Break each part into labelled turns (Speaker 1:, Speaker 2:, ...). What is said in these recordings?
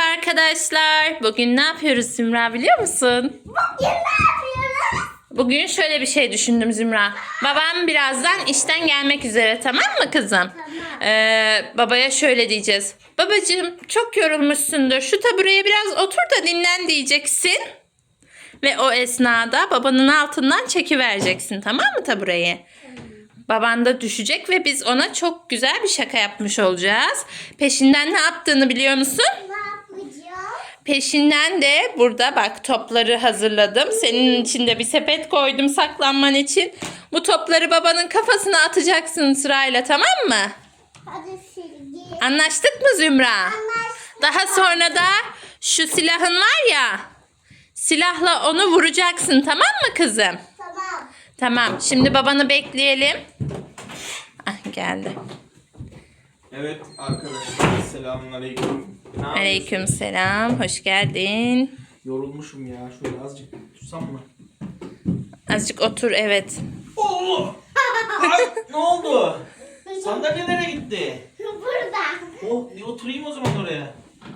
Speaker 1: arkadaşlar. Bugün ne yapıyoruz Zümra biliyor musun?
Speaker 2: Bugün ne yapıyoruz?
Speaker 1: Bugün şöyle bir şey düşündüm Zümra. Babam birazdan işten gelmek üzere, tamam mı kızım? Babaya şöyle diyeceğiz. Babacığım çok yorulmuşsundur. Şu tabureye biraz otur da dinlen diyeceksin. Ve o esnada babanın altından çekivereceksin, tamam mı tabureyi? Baban da düşecek ve biz ona çok güzel bir şaka yapmış olacağız. Peşinden ne yaptığını biliyor musun?
Speaker 2: Ne yapacağız?
Speaker 1: Peşinden de burada bak topları hazırladım. Senin için de bir sepet koydum saklanman için. Bu topları babanın kafasına atacaksın sırayla, tamam mı?
Speaker 2: Hadi silgi.
Speaker 1: Anlaştık mı Zümra?
Speaker 2: Anlaştık.
Speaker 1: Daha sonra da şu silahın var ya. Silahla onu vuracaksın, tamam mı kızım?
Speaker 2: Tamam.
Speaker 1: Tamam. Şimdi babanı bekleyelim. Ah, geldi.
Speaker 3: Evet arkadaşlar, selamünaleyküm. Ne yapıyorsun?
Speaker 1: Aleykümselam. Hoş geldin.
Speaker 3: Yorulmuşum ya. Şöyle azıcık tutsam mı?
Speaker 1: Azıcık otur, evet.
Speaker 3: Oo! Ay, ne oldu? Sandalye nereye gitti?
Speaker 2: Burada.
Speaker 3: Oh, bir oturayım o zaman oraya.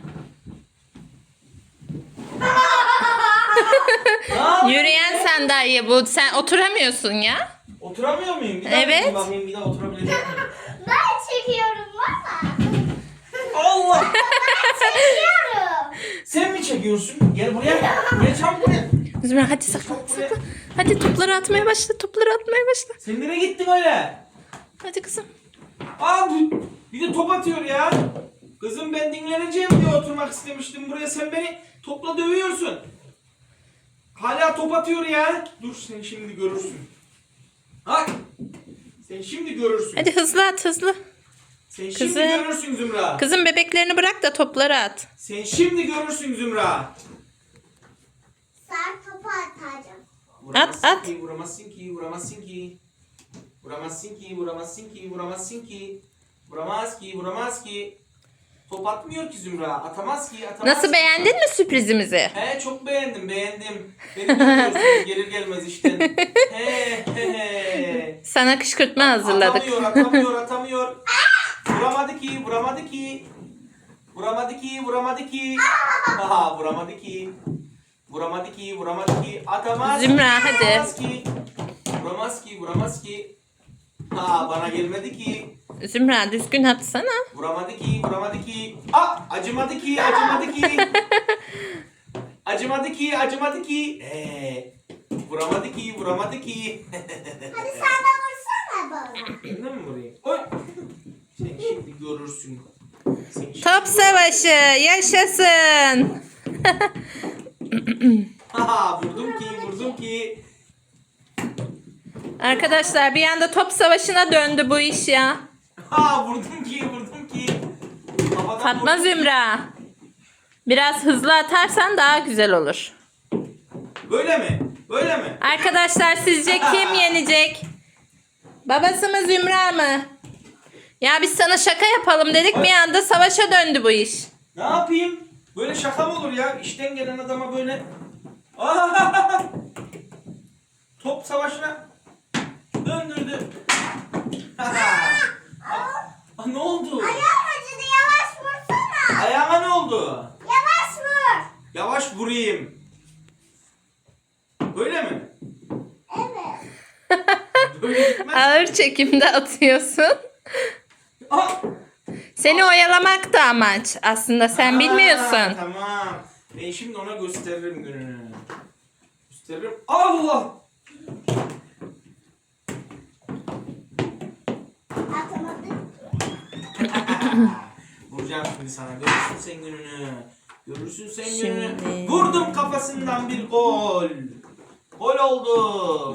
Speaker 3: Ne yapıyorsun?
Speaker 1: Yürüyen sandalye bu. Sen oturamıyorsun ya.
Speaker 3: Oturamıyor muyum? Bir daha
Speaker 1: Evet.
Speaker 3: bakayım, bir daha oturabilecek miyim?
Speaker 2: Ben çekiyorum baba.
Speaker 3: Allah!
Speaker 2: Çekiyorum.
Speaker 3: Sen mi çekiyorsun? Gel buraya. Gel çabuk buraya.
Speaker 1: Zümra hadi saklan, saklan. Hadi topları atmaya başla, topları atmaya başla.
Speaker 3: Sen nereye gittin öyle?
Speaker 1: Hadi kızım.
Speaker 3: Aa, bir de top atıyor ya. Kızım ben dinleneceğim diye oturmak istemiştim. Buraya sen beni topla dövüyorsun. Hala top atıyor ya. Dur sen şimdi görürsün. Bak. Sen şimdi görürsün.
Speaker 1: Hadi hızlı at, hızlı.
Speaker 3: Sen şimdi
Speaker 1: kızım.
Speaker 3: görürsün Zümra.
Speaker 1: Kızım bebeklerini bırak da topları at.
Speaker 3: Sen şimdi görürsün Zümra.
Speaker 2: Sen topu atacağım.
Speaker 3: Vuramazsın
Speaker 1: At.
Speaker 3: ki, vuramazsın ki, vuramazsın ki. Vuramazsın ki, vuramazsın ki, vuramazsın ki. Vuramaz ki, vuramaz ki. Top atmıyor ki Zümra. Atamaz ki, atamaz
Speaker 1: Nasıl,
Speaker 3: ki.
Speaker 1: beğendin mi sürprizimizi?
Speaker 3: He çok beğendim, beğendim. Beni görüyorsunuz gelir gelmez işten. He.
Speaker 1: Sana kışkırtma hazırladık.
Speaker 3: Atamıyor. Vuramadı ki. Aha, vuramadı ki. Atamaz.
Speaker 1: Zümra, hadi.
Speaker 3: Vuramaz ki. Ha, bana gelmedi ki.
Speaker 1: Zümra düzgün atsana.
Speaker 3: Vuramadı ki. Acımadı ki. Acımadı ki. Vuramadı ki.
Speaker 2: Hadi sen de vursana bana.
Speaker 3: Ben de mi vurayım? Oy. Sen şimdi görürsün.
Speaker 1: Top savaşı yaşasın.
Speaker 3: Ha, vurdum ki.
Speaker 1: Arkadaşlar bir anda top savaşına döndü bu iş ya.
Speaker 3: Ha, vurdum ki. Havadan
Speaker 1: Fatma
Speaker 3: vurdum.
Speaker 1: Zümra. Biraz hızlı atarsan daha güzel olur.
Speaker 3: Böyle mi?
Speaker 1: Arkadaşlar sizce kim yenecek? Babası mı Zümra mı? Ya biz sana şaka yapalım dedik, bir anda savaşa döndü bu iş.
Speaker 3: Ne yapayım? Böyle şaka mı olur ya? İşten gelen adama böyle... Top savaşına döndürdü. Ne oldu?
Speaker 2: Ayağım acıdı, yavaş vursana.
Speaker 3: Ayağıma ne oldu?
Speaker 2: Yavaş vur.
Speaker 3: Yavaş vurayım. Böyle mi?
Speaker 2: Evet.
Speaker 3: Böyle gitmez.
Speaker 1: Ağır çekimde atıyorsun.
Speaker 3: Ah!
Speaker 1: Seni oyalamak da amaç. Aslında sen bilmiyorsun.
Speaker 3: Tamam. Ben şimdi ona gösteririm gününü. Gösteririm. Allah!
Speaker 2: Atamadım.
Speaker 3: Vuracağım şimdi sana. Görürsün sen gününü. gününü.
Speaker 1: Şimdi.
Speaker 3: Vurdum kafasından bir gol. Gol oldu.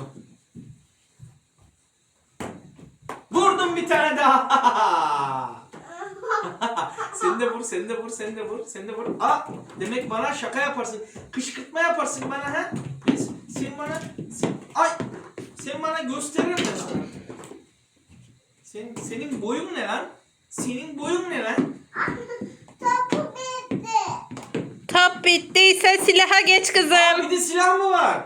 Speaker 3: Vurdum bir tane daha. Sen de vur. Demek bana şaka yaparsın. Kışkırtma yaparsın bana ha? Sen bana gösteririm ben sana. Senin boyun ne lan?
Speaker 2: Topu bitti.
Speaker 1: Top bittiyse silaha geç kızım.
Speaker 3: Bir de silah mı var?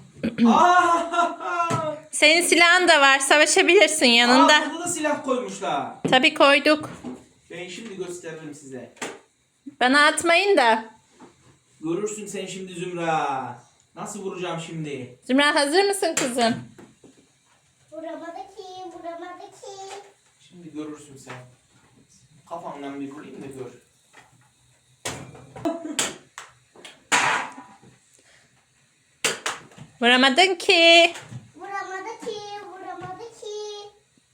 Speaker 1: Senin silahın da var. Savaşabilirsin yanında.
Speaker 3: Burada da silah koymuşlar.
Speaker 1: Tabii koyduk.
Speaker 3: Ben şimdi gösteririm size.
Speaker 1: Bana atmayın da.
Speaker 3: Görürsün sen şimdi Zümra. Nasıl vuracağım şimdi?
Speaker 1: Zümra hazır mısın kızım?
Speaker 2: Vuramadı ki, vuramadı ki.
Speaker 3: Şimdi görürsün sen. Kafamdan bir vurayım da gör.
Speaker 1: Vuramadın ki.
Speaker 2: Vuramadı ki, vuramadı ki.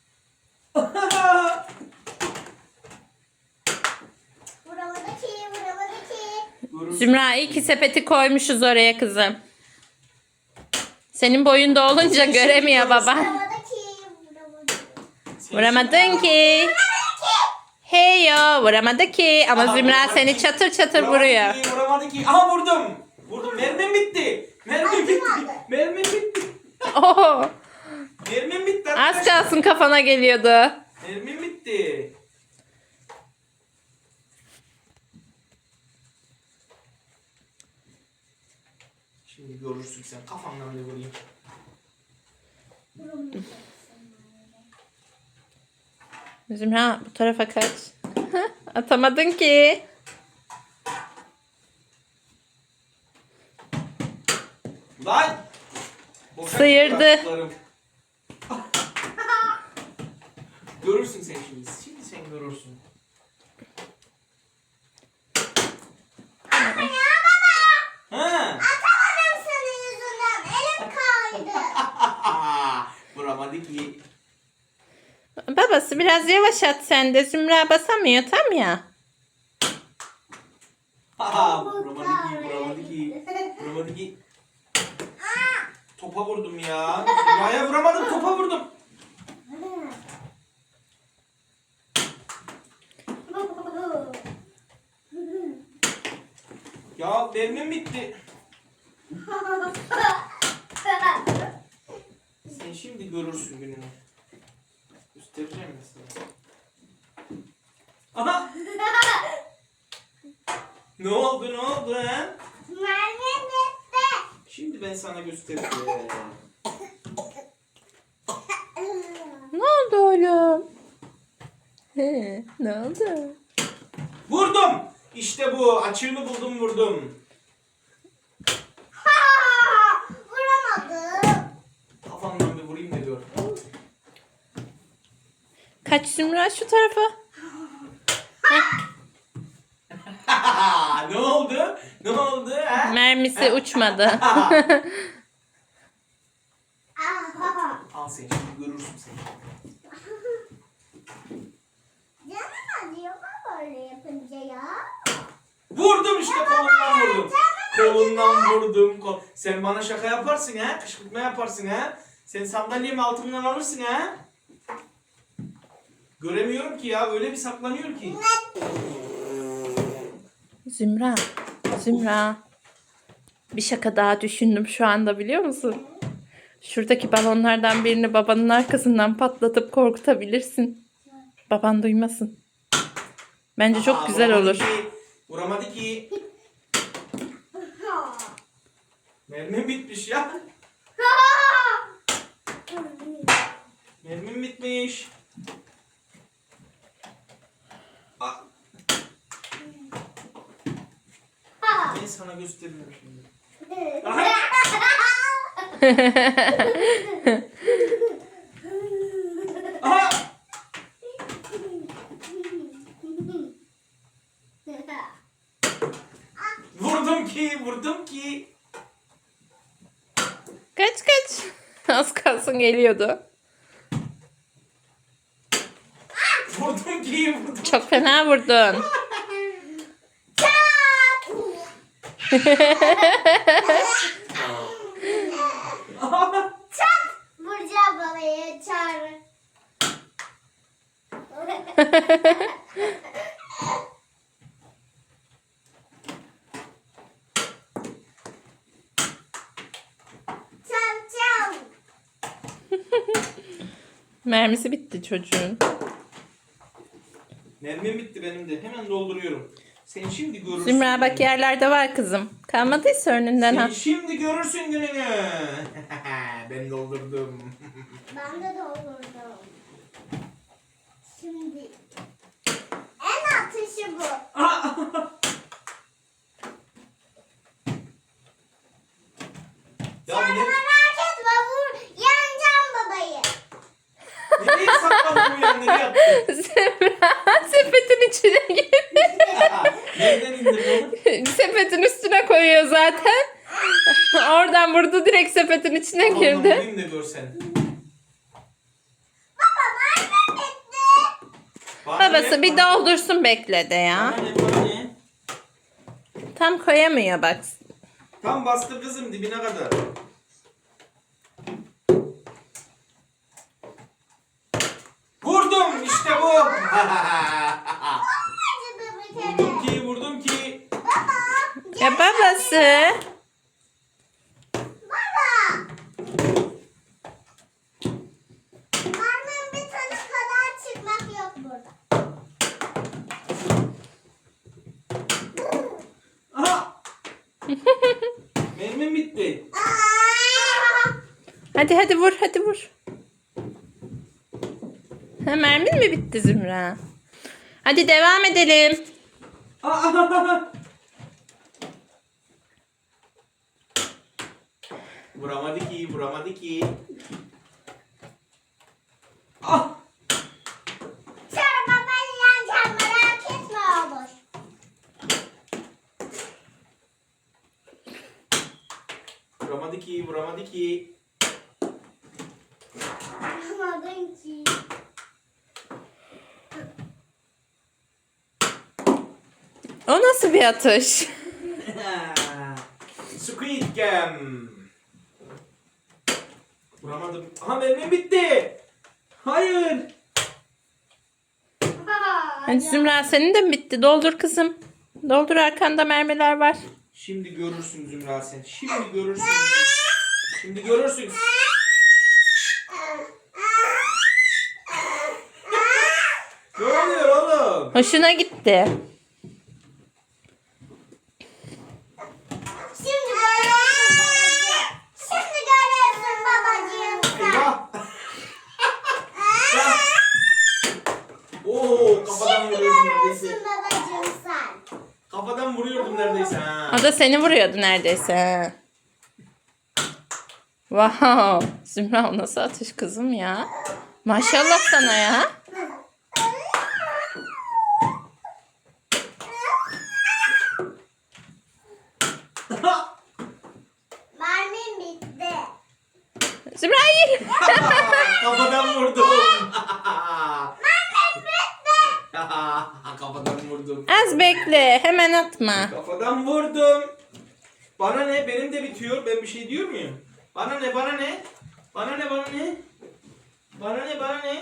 Speaker 2: Vuramadı ki, vuramadı ki.
Speaker 3: Görürsün.
Speaker 1: Zümra iyi ki sepeti koymuşuz oraya kızım. Senin boyunda olunca göremiyor baba.
Speaker 2: Vuramadı ki, vuramadı.
Speaker 1: Vuramadın ki. Hey yo vuramadı ki. Ama
Speaker 3: Aha,
Speaker 1: Zümra
Speaker 3: vuramadı
Speaker 1: seni
Speaker 3: ki.
Speaker 1: çatır çatır vuruyor.
Speaker 3: Vuramadı ki. Aha vurdum. Vurdum. Mermim bitti. Mermim bitti. Mermim bitti.
Speaker 1: Oho.
Speaker 3: Mermim bitti
Speaker 1: Az
Speaker 3: arkadaşlar.
Speaker 1: kalsın kafana geliyordu.
Speaker 3: Mermim bitti. Şimdi görürsün sen. Kafamdan bir vurayım.
Speaker 1: Zümra bu tarafa kaç. Atamadın ki.
Speaker 3: Lan! Boşa
Speaker 1: Sıyırdı.
Speaker 3: gitti bıraktıklarım. Görürsün sen şimdi. Şimdi sen görürsün. Ha!
Speaker 2: Atamadım senin yüzünden. Elim kaydı.
Speaker 3: Vuramadı ki.
Speaker 1: Babası biraz yavaş at sen de. Zümra basamıyor tam ya.
Speaker 3: Vuramadı ki. Vuramadı ki. Vuramadı ki. Topa vurdum ya. Yaya vuramadım. Topa vurdum. Ya mermim bitti. Sen şimdi görürsün gününü. Göstereceğim mesela. Aha! Ne oldu ne oldu ha?
Speaker 2: Mermi bitti.
Speaker 3: Şimdi ben sana göstereceğim.
Speaker 1: Ne oldu oğlum? He, ne oldu?
Speaker 3: Vurdum! İşte bu. Açığını buldum vurdum.
Speaker 2: Vuramadım.
Speaker 3: Kafamdan bir vurayım da gör.
Speaker 1: Kaç Zümra şu tarafa.
Speaker 3: Ne oldu? Ne oldu ha?
Speaker 1: Mermisi uçmadı.
Speaker 3: Al sen şimdi görürsün sen.
Speaker 2: Canım acıyor mu böyle yapınca ya?
Speaker 3: Vurdum işte kolundan vurdum. Kolundan vurdum. Sen bana şaka yaparsın ha? Kışkırtma yaparsın ha? Sen sandalyemi altımdan alırsın ha? Göremiyorum ki ya. Öyle bir saklanıyor ki.
Speaker 1: Zümra. Zümra. Bir şaka daha düşündüm şu anda biliyor musun? Şuradaki balonlardan birini babanın arkasından patlatıp korkutabilirsin. Baban duymasın. Bence çok güzel
Speaker 3: Vuramadı
Speaker 1: olur.
Speaker 3: ki. Vuramadı ki. Mermim bitmiş ya. Mermim bitmiş. Ah. Ben sana gösteriyorum şimdi. Aha. Aha. Vurdum ki, vurdum ki.
Speaker 1: Kaç kaç. Az kalsın geliyordu.
Speaker 3: Vurdum ki, vurdum.
Speaker 1: Çok fena vurdun.
Speaker 2: Vuracağım balayı çağır. Çav çav.
Speaker 1: Mermisi bitti çocuğun.
Speaker 3: Mermim bitti benim de. Hemen dolduruyorum. Sen şimdi görürsün.
Speaker 1: Zümra bak yerlerde var kızım. Kalmadıysa önünden
Speaker 3: Sen
Speaker 1: al.
Speaker 3: şimdi görürsün gününü. Ben doldurdum.
Speaker 2: Ben de doldurdum. Şimdi en atışı bu.
Speaker 1: içine girdi.
Speaker 3: Nereden indirdin onu?
Speaker 1: Sepetin üstüne koyuyor zaten. Oradan vurdu, direkt sepetin içine
Speaker 3: Oğlum,
Speaker 1: girdi.
Speaker 3: vurayım da görsen. Bana
Speaker 1: Babası
Speaker 3: ne?
Speaker 1: bir doldursun, bekledi ya.
Speaker 3: Bana ne?
Speaker 1: Tam koyamıyor bak.
Speaker 3: Tam bastır kızım dibine kadar. Vurdum işte bu. Vurdum ki vurdum ki.
Speaker 1: Ya babası.
Speaker 2: Marmın bir tane kadar çıkmak yok burada.
Speaker 3: Aha. Mermim bitti.
Speaker 1: Hadi vur, hadi vur. Ha, mermin mi bitti Zümra? Hadi devam edelim.
Speaker 3: Vuramadı ki, vuramadı ki. Ah!
Speaker 2: Sonra babayı yeneceğim, merak etme olur.
Speaker 3: Vuramadı ki, vuramadı ki.
Speaker 2: Anlamadın ki.
Speaker 1: O nasıl bir atış?
Speaker 3: Squid Game. Vuramadım. Aha mermim bitti. Hayır.
Speaker 1: Hadi Zümra, senin de mi bitti? Doldur kızım. Doldur, arkanda mermiler var.
Speaker 3: Şimdi görürsün Zümra sen. Şimdi görürsün. Şimdi görürsün. Ne oluyor oğlum?
Speaker 1: Hoşuna gitti.
Speaker 2: Şimdi görüyorsun babacığım. Şimdi görüyorsun babacığım sen.
Speaker 3: Eyvah. Ya. Oo, kafadan
Speaker 2: Şimdi
Speaker 3: vuruyordum neredeyse.
Speaker 2: görüyorsun babacığım sen.
Speaker 3: Kafadan vuruyordum neredeyse ha.
Speaker 1: O da seni vuruyordu neredeyse. Wow. Zümra, o nasıl atış kızım ya? Maşallah sana ya.
Speaker 2: Mermim bitti.
Speaker 1: Zümra hayır.
Speaker 3: Kafadan vurdum.
Speaker 2: Mermim bitti.
Speaker 3: Kafadan vurdum.
Speaker 1: Az bekle, hemen atma.
Speaker 3: Kafadan vurdum. Bana ne? Benim de bitiyor. Ben bir şey diyor muyum? Bana ne? Bana ne? Bana ne? Bana ne? Bana ne? Bana ne?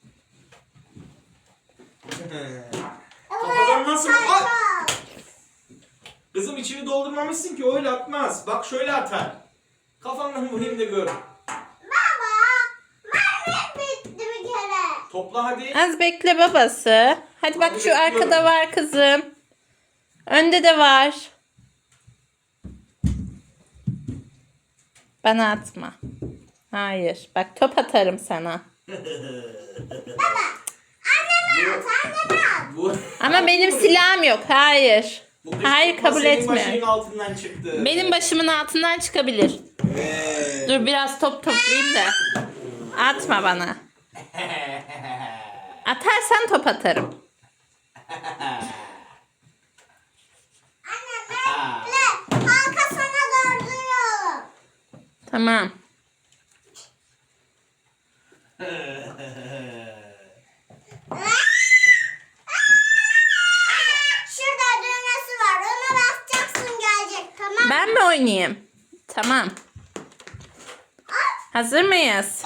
Speaker 3: Kafadan nasıl? Ay! Kızım içini doldurmamışsın ki öyle atmaz. Bak şöyle atar. Kafandan vurayım da gör.
Speaker 2: Baba, mermim bitti bir kere.
Speaker 3: Topla hadi.
Speaker 1: Az bekle babası. Hadi bak, şu arkada var kızım. Önde de var. Bana atma. Hayır. Bak, top atarım sana.
Speaker 2: Anneme at.
Speaker 3: Bu,
Speaker 1: Ama benim silahım yok. Hayır.
Speaker 3: bu kız
Speaker 1: Hayır,
Speaker 3: tutma
Speaker 1: kabul
Speaker 3: senin
Speaker 1: etmiyorum.
Speaker 3: başının altından çıktı.
Speaker 1: Benim başımın altından çıkabilir.
Speaker 3: Evet.
Speaker 1: Dur biraz top toplayayım da. Atma bana. Atarsan top atarım.
Speaker 2: Anne bekle. Halka sana dolduruyorum.
Speaker 1: Tamam.
Speaker 2: Şurada düğmesi var. Ona basacaksın, gelecek. Tamam.
Speaker 1: Ben mi oynayayım? Tamam. Hazır mıyız?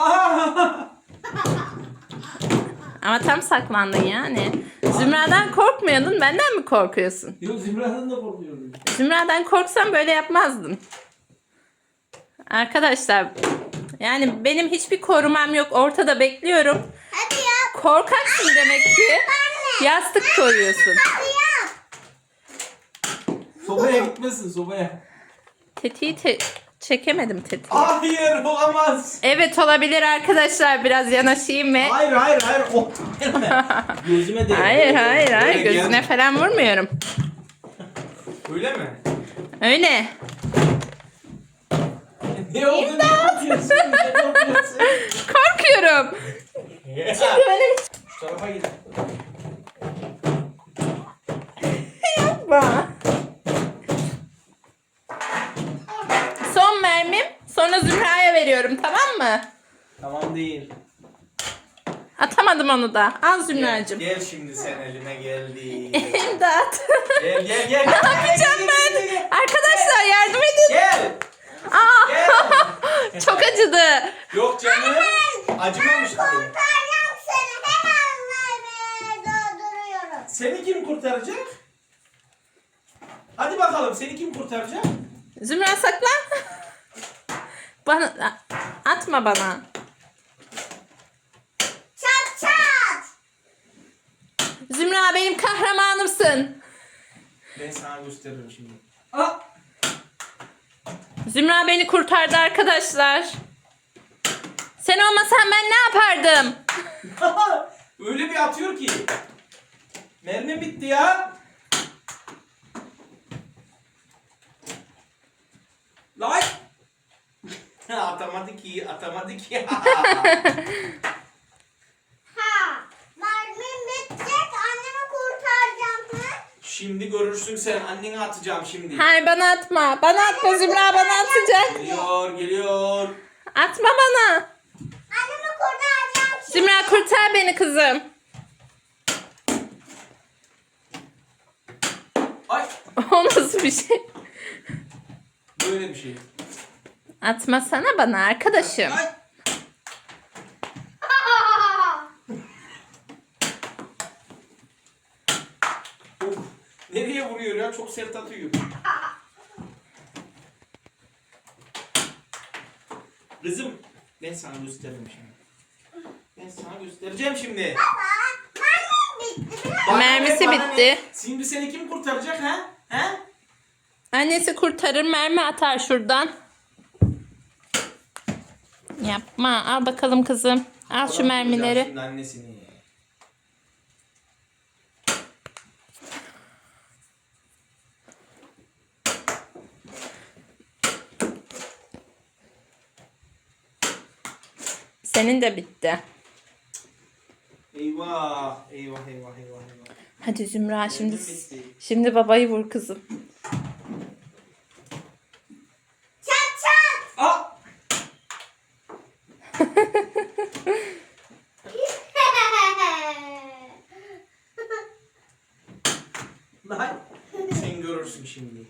Speaker 1: Ama tam saklandın yani. Zümra'dan korkmuyordun. Benden mi korkuyorsun?
Speaker 3: Yok Zümra'dan da korkuyorum.
Speaker 1: Zümra'dan korksam böyle yapmazdın. Arkadaşlar, yani benim hiçbir korumam yok. Ortada bekliyorum.
Speaker 2: Hadi yap.
Speaker 1: Korkaksın demek ki. Yastık koyuyorsun.
Speaker 2: Hadi yap.
Speaker 3: Sobaya gitmesin sobaya.
Speaker 1: Tetiği çekemedim tetiği.
Speaker 3: Hayır olamaz.
Speaker 1: Evet, olabilir arkadaşlar. Biraz yanaşayım ve...
Speaker 3: Hayır. Oh. Gözüme değdi.
Speaker 1: Hayır.
Speaker 3: Öyle
Speaker 1: Gözüne
Speaker 3: gel.
Speaker 1: falan vurmuyorum.
Speaker 3: Öyle mi?
Speaker 1: Öyle.
Speaker 3: Ne oldu? Ne yapıyorsun? Ne yapıyorsun?
Speaker 1: Korkuyorum. Çünkü öyle
Speaker 3: Şu tarafa git. Sorun değil.
Speaker 1: Atamadım onu da. Al Zümracığım.
Speaker 3: Gel şimdi sen elime geldi.
Speaker 1: İmdat.
Speaker 3: Gel.
Speaker 1: Ne yapacağım ben? Arkadaşlar yardım edin.
Speaker 3: Gel.
Speaker 1: Aa,
Speaker 3: Gel.
Speaker 1: çok acıdı.
Speaker 3: Yok canım. Acımamıştı.
Speaker 2: Kurtaracağım seni. Hemen mermiye dolduruyorum.
Speaker 3: Seni kim kurtaracak? Hadi bakalım seni kim kurtaracak?
Speaker 1: Zümra saklan. Bana atma bana.
Speaker 2: Çat çat.
Speaker 1: Zümra benim kahramanımsın.
Speaker 3: Ben sana gösteririm şimdi.
Speaker 1: Zümra beni kurtardı arkadaşlar. Sen olmasan ben ne yapardım?
Speaker 3: Öyle bir atıyor ki. Mermi bitti ya. Lan. Atamadı ki.
Speaker 2: Ha. Mermim bitecek. Annemi kurtaracağım. Ha?
Speaker 3: Şimdi görürsün sen. Annene atacağım şimdi.
Speaker 1: Hayır bana atma. Bana atma Zümra bana atacak.
Speaker 3: Geliyor.
Speaker 1: Atma bana.
Speaker 2: Annemi kurtaracağım şimdi.
Speaker 1: Zümra kurtar beni kızım.
Speaker 3: Ay.
Speaker 1: O nasıl bir şey?
Speaker 3: Böyle bir şey.
Speaker 1: Atmasana bana arkadaşım.
Speaker 3: Ay. Of. Nereye vuruyor ya? Çok sert atıyor. Kızım ben sana gösteririm şimdi. Ben sana göstereceğim şimdi.
Speaker 2: Mermim bitti. Biraz
Speaker 1: Mermisi
Speaker 3: Bana ne?
Speaker 1: bitti.
Speaker 3: Şimdi seni kim kurtaracak ha? Ha?
Speaker 1: Annesi kurtarır mermi atar şuradan. Yapma. Al bakalım kızım. Al şu mermileri.
Speaker 3: Şimdi annesini.
Speaker 1: Senin de bitti.
Speaker 3: Eyvah.
Speaker 1: Hadi Zümra şimdi
Speaker 3: Mermim bitti.
Speaker 1: şimdi babayı vur kızım.
Speaker 2: çat çat.
Speaker 3: Aa! Lan. Sen görürsün şimdi.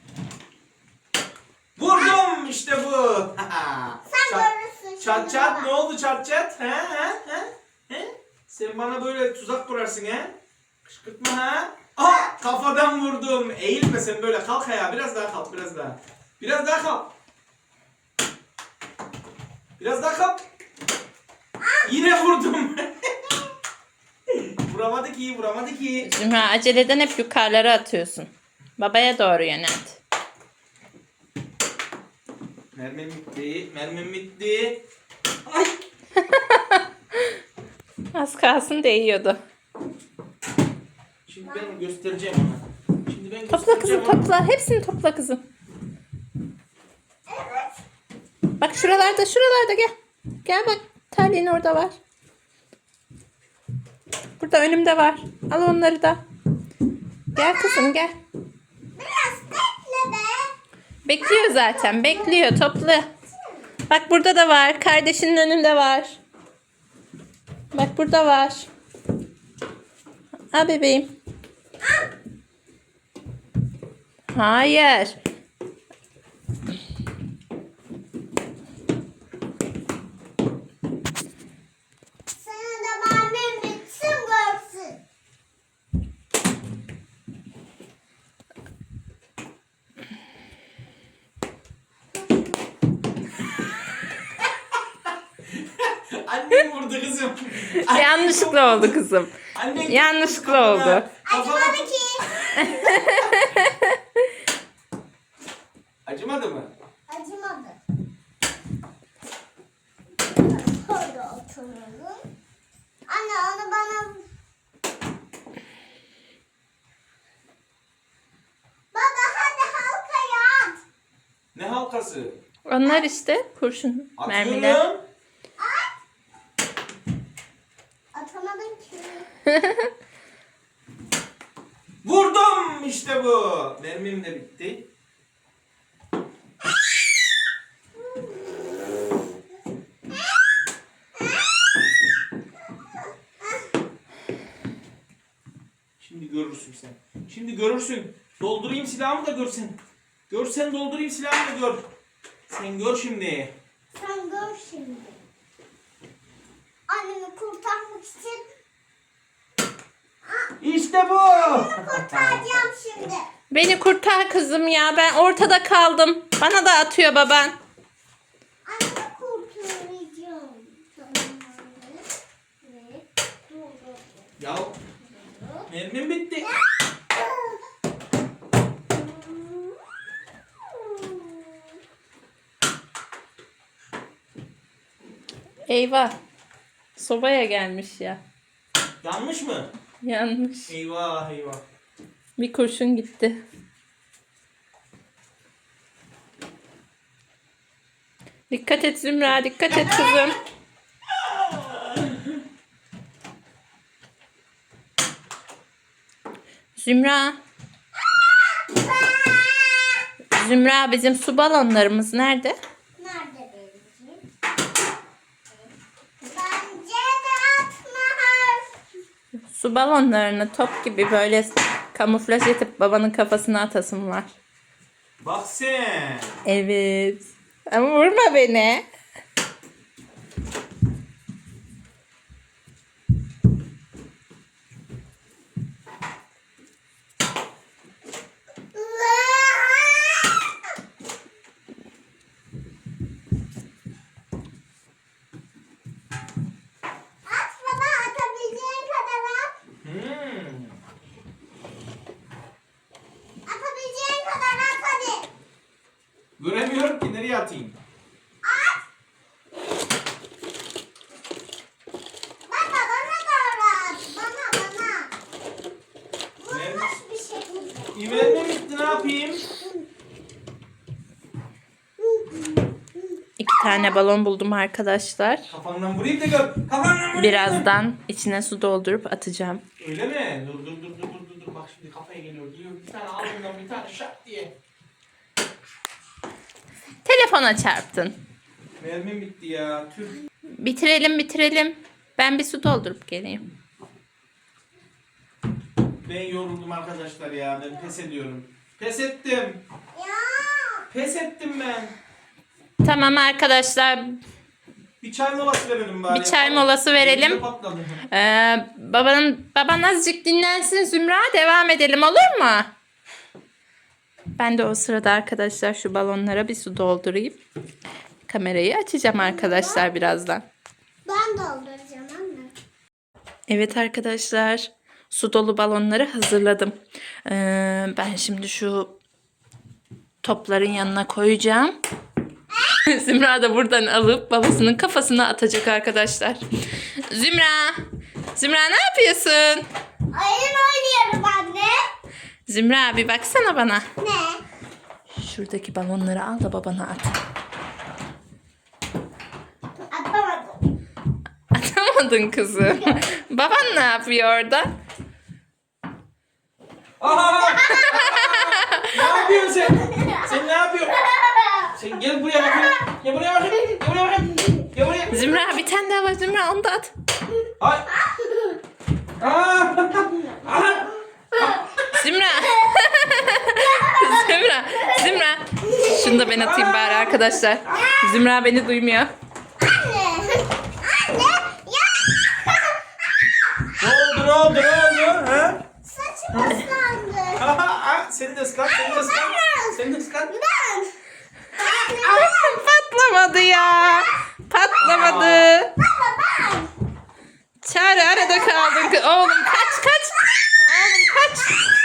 Speaker 3: Vurdum işte bu.
Speaker 2: Sen görürsün şimdi
Speaker 3: Çat çat
Speaker 2: baba.
Speaker 3: ne oldu çat çat? He? Sen bana böyle tuzak kurarsın he? Kışkırtma ha? Aa kafadan vurdum. Eğilme sen böyle kalk ayağa. Biraz daha kalk biraz daha. Biraz daha kalk. Biraz daha kalk. Yine vurdum. Vuramadı ki.
Speaker 1: Zümra aceleden hep yukarılara atıyorsun. Babaya doğru yönelt.
Speaker 3: Mermim bitti. Ay.
Speaker 1: Az kalsın değiyordu.
Speaker 3: Şimdi ben göstereceğim ona.
Speaker 1: Topla kızım topla. Hepsini topla kızım.
Speaker 2: Evet.
Speaker 1: Bak şuralarda gel. Gel bak. Talin orada var. Burada önümde var. Al onları da. Gel kızım gel.
Speaker 2: Biraz bekle be.
Speaker 1: Bekliyor zaten. Bekliyor. Topla. Bak burada da var. Kardeşinin önünde var. Bak burada var. Al bebeğim. Hayır.
Speaker 2: Senin de mermin bitsin görsün.
Speaker 3: Annem vurdu kızım.
Speaker 1: Yanlışlıkla oldu kızım.
Speaker 3: Annen
Speaker 1: Yanlışlıkla
Speaker 3: kafana-
Speaker 1: oldu.
Speaker 3: kafana-
Speaker 2: Acımadı ki.
Speaker 3: Acımadı mı?
Speaker 2: Acımadı. Şöyle oturalım. Anne onu bana... Baba hadi halkaya at.
Speaker 3: Ne halkası?
Speaker 1: Onlar işte kurşun mermiler.
Speaker 3: Atıyorum.
Speaker 2: Atamadın ki.
Speaker 3: Vurdum işte bu. Mermim de bitti. Şimdi görürsün sen. Şimdi görürsün. Doldurayım silahımı da görsen. Görsen doldurayım silahımı da gör. Sen gör şimdi.
Speaker 2: Sen gör şimdi. Annemi kurtarmak için
Speaker 3: İşte bu.
Speaker 2: kurtaracağım şimdi.
Speaker 1: Beni kurtar kızım ya. Ben ortada kaldım. Bana da atıyor baban.
Speaker 2: Annemi kurtaracağım. Tamam. Ve dur.
Speaker 3: Ya mermim bitti.
Speaker 1: Eyvah. Sobaya gelmiş ya.
Speaker 3: Yanlış mı?
Speaker 1: Yanmış.
Speaker 3: Eyvah eyvah.
Speaker 1: Bir kurşun gitti. Dikkat et Zümra. Dikkat et kızım. Zümra. Zümra bizim su balonlarımız nerede?
Speaker 2: Nerede benimki? Bence de atma.
Speaker 1: Su balonlarını top gibi böyle kamuflaj edip babanın kafasına atasım var.
Speaker 3: Bak sen.
Speaker 1: Evet. Ama vurma beni.
Speaker 2: At baba, atabileceğin kadar at. Atabileceğin kadar at hadi.
Speaker 3: Göremiyorum ki nereye atayım.
Speaker 2: At. Bana doğru at. Bana. Vurmuş bir şekilde.
Speaker 3: İvermem bitti, ne yapayım?
Speaker 1: 2 tane balon buldum arkadaşlar.
Speaker 3: Kafandan vurayım da gör. Kafandan vurayım.
Speaker 1: Birazdan içine su doldurup atacağım.
Speaker 3: Öyle mi? Dur. Bak şimdi kafaya geliyor. Diyor bir tane al bundan bir tane şak diye.
Speaker 1: Telefona çarptın.
Speaker 3: Mermim bitti ya. Tüh.
Speaker 1: Bitirelim. Ben bir su doldurup geleyim.
Speaker 3: Ben yoruldum arkadaşlar ya. Ben pes ediyorum. Pes ettim.
Speaker 2: Ya.
Speaker 3: Pes ettim ben.
Speaker 1: Tamam arkadaşlar.
Speaker 3: Bir çay molası verelim bari.
Speaker 1: Bir çay molası verelim.
Speaker 3: Elimde patladı.
Speaker 1: Baban azıcık dinlensin Zümra. Devam edelim olur mu? Ben de o sırada arkadaşlar şu balonlara bir su doldurayım. Kamerayı açacağım arkadaşlar birazdan.
Speaker 2: Ben dolduracağım anne.
Speaker 1: Evet arkadaşlar. Su dolu balonları hazırladım. Ben şimdi şu topların yanına koyacağım. Zümra da buradan alıp babasının kafasına atacak arkadaşlar. Zümra ne yapıyorsun?
Speaker 2: Oyun oynuyorum anne.
Speaker 1: Zümra bir baksana bana.
Speaker 2: Ne?
Speaker 1: Şuradaki balonları al da babana at.
Speaker 2: Atamadım.
Speaker 1: Atamadın kızım. Baban ne yapıyor orada?
Speaker 3: Aha! Ne yapıyorsun sen? Sen ne yapıyorsun? Sen gel buraya bakayım. Gel buraya bakayım. Gel buraya bakayım. Gel buraya.
Speaker 1: Zümra bir tane daha var Zümra onu da at.
Speaker 3: Ay. Aa! Aha!
Speaker 1: Zümra. Zümra. Şunu da ben atayım bari arkadaşlar. Zümra beni duymuyor.
Speaker 2: Anne. Anne. Ya.
Speaker 3: Ne oldu? Ha?
Speaker 2: Saçım ıslandı.
Speaker 3: Aha! Seni de ıslat. Seni de ıslat.
Speaker 2: Ben.
Speaker 1: Patlamadı ya. Patlamadı.
Speaker 2: Baba ben.
Speaker 1: Çare arada kaldın. Oğlum kaç. Oğlum kaç.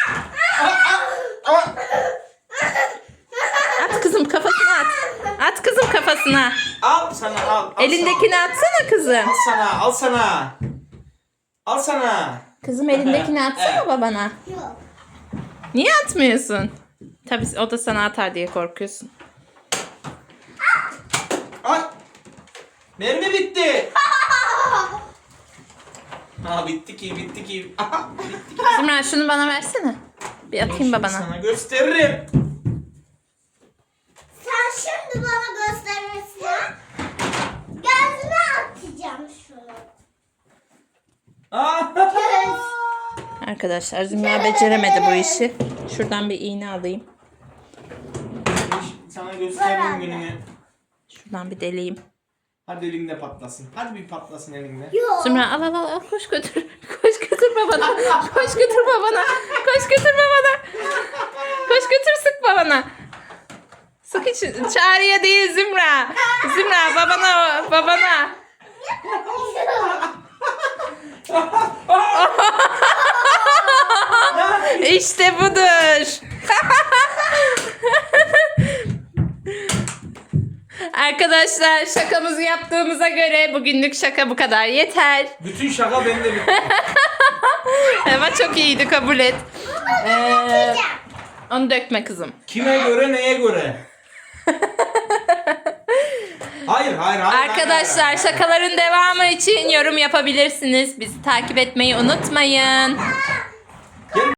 Speaker 1: At kızım kafasına at. At kızım kafasına.
Speaker 3: Al sana al.
Speaker 1: Elindekini atsana kızım.
Speaker 3: Al sana. Al sana.
Speaker 1: Kızım elindekini atsana babana.
Speaker 2: Yok.
Speaker 1: Niye atmıyorsun? Tabii o da sana atar diye korkuyorsun.
Speaker 3: Ay. Mermi bitti. Ha bitti ki. Aha, bitti ki.
Speaker 1: Zümra şunu bana versene. Bir atayım
Speaker 3: Şimdi
Speaker 1: babana.
Speaker 3: Sana gösteririm.
Speaker 2: Sen şimdi bana gösterirsin. Gözüme atacağım şunu.
Speaker 3: Aa.
Speaker 1: Arkadaşlar Zümra beceremedi bu işi. Şuradan bir iğne alayım.
Speaker 3: Sana gösterdim gününü.
Speaker 1: Şuradan bir deleyim.
Speaker 3: Hadi elinde patlasın. Hadi bir patlasın elinde.
Speaker 2: Yok.
Speaker 1: Zümra al koş götür. Koş götür babana. Koş götür babana. Koş götür babana. Koş götür sık babana. Sık için. Çağrı'ya değil Zümra. Zümra babana. İşte budur. Arkadaşlar şakamızı yaptığımıza göre bugünlük şaka bu kadar yeter.
Speaker 3: Bütün şaka bende bitti.
Speaker 1: Ama çok iyiydi, kabul et. Onu dökme kızım.
Speaker 3: Kime göre neye göre? Hayır.
Speaker 1: Arkadaşlar şakaların devamı için yorum yapabilirsiniz. Bizi takip etmeyi unutmayın.